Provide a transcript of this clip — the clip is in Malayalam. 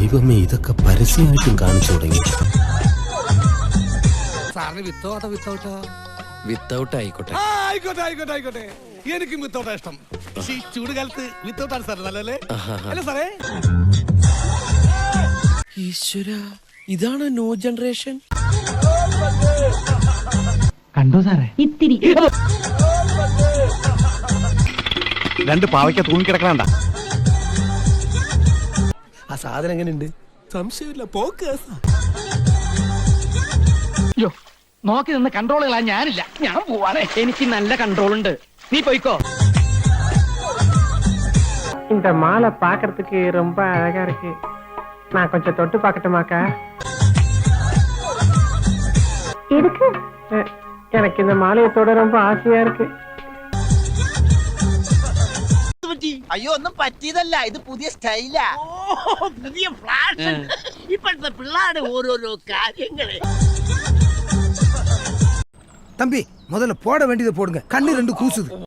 ദൈവമേ, ഇതൊക്കെ പരസ്യമായിട്ടും കാണിച്ചു തുടങ്ങി. സാറിന് വിത്തൗട്ടാ വിത്തൗട്ട് ആയിക്കോട്ടെ. ആയിക്കോട്ടെ. എനിക്കും വിത്തൗട്ടാ ഇഷ്ടം. ഈ ചൂട് കാലത്ത് വിത്തൗട്ടാണ് സാർ നല്ലല്ലേ? അല്ല സാറേ, ഈശ്വര, ഇതാണ് ന്യൂ ജനറേഷൻ. കണ്ടോ സാറേ? ഇത്തിരി രണ്ട് പാവയ്ക്ക തൂങ്ങിക്കിടക്കണണ്ട. ആ സാധനം എങ്ങനെയുണ്ട്? സംശയമില്ല, പോക്ക്. അയ്യോ, നോക്കി നിന്ന് കൺട്രോൾ കളാൻ ഞാനില്ല. ഞാൻ പോവാണേ. എനിക്ക് നല്ല കൺട്രോൾ ഉണ്ട്. നീ പോയിക്കോ. இந்த மாலை பாக்குறதுக்கு ரொம்ப அழகா இருக்கு. நான் கொஞ்சம் தொட்டு பார்க்கட்டுமாக்கா? எதுக்கு? எனக்கு இந்த மாலையை தொட ரொம்ப ஆசையா இருக்கு. അയ്യോ ഒന്നും പറ്റിയതല്ല, ഇത് പുതിയ സ്റ്റൈലാ. പുതിയ ഫ്ലാഷ്. ഇപ്പോഴത്തെ പിള്ളേരുടെ ഓരോരോ കാര്യങ്ങള്. தம்பி முதல்ல போட வேண்டியதை போடுங்க. கண்ணு ரெண்டு கூசுது.